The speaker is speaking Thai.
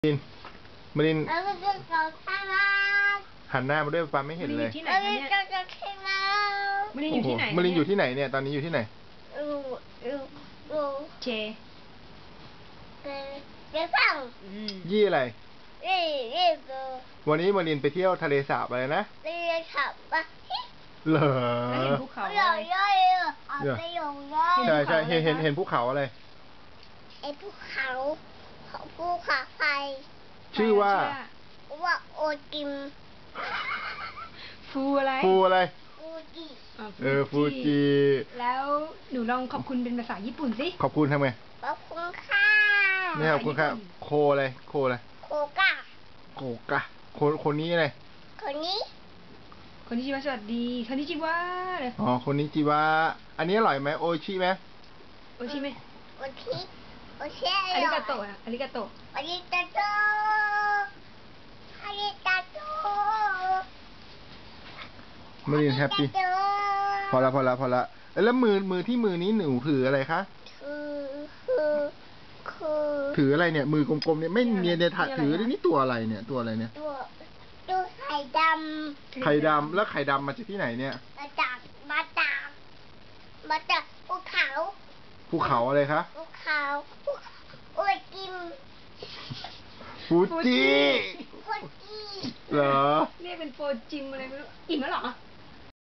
ลินมารินเราจะกินของข้าวหันหน้ามาด้วยปาไม่เห็นเลยเราจะกินของข้าวมารินอยู่ที่ไหนมารินอยู่ที่ไหนเนี่ยตอนนี้อยู่ที่ไหนอยู่เชเดี๋ยวฟังยี่อะไรนี่ดูวันนี้มารินไปเที่ยวทะเลสาบอะไรนะเรียนขับปะเหรอแล้วเห็นภูเขาหย่อะไรย่อยเอาไปหย่ย่อยใช่ใช่เห็นภูเขาอะไรไอ้ภูเขาภูเขาไฟชื่อว่าว่าโอจิมฟูอะไรฟูอะไรฟูจิฟูจิแล้วหนูลองขอบคุณเป็นภาษาญี่ปุ่นสิขอบคุณทำไงขอบคุณค่ะไม่ขอบคุณครับโคอะไรโคอะไรโคกะโกกะคนนี้อะไรคนนี้คนที่ชื่อว่าสวัสดีคนที่ชื่อว่าเลยอ๋อคนนี้จิวะอันนี้อร่อยไหมโอชิไหมโอชิไหมโอชิโอชิอาริกาโตะอะอาริกาโตะอาริกาโตอาริกาโตมารินแฮปปี้พอละแล้วมือที่มือนี้หนูถืออะไรคะคือถืออะไรเนี่ยมือกลมๆเนี่ยไม่เนียนเนี่ยถือนี่ตัวอะไรเนี่ยตัวอะไรเนี่ยตัวไข่ดำไข่ดำแล้วไข่ดำมาจากที่ไหนเนี่ยมาจากภูเขาภูเขาอะไรคะภูเขาโอ้ยกิมฟูจิฟูจิเหรอเรียกเป็นโฟจิมอะไรไม่รู้อิ่มแล้วเหรอ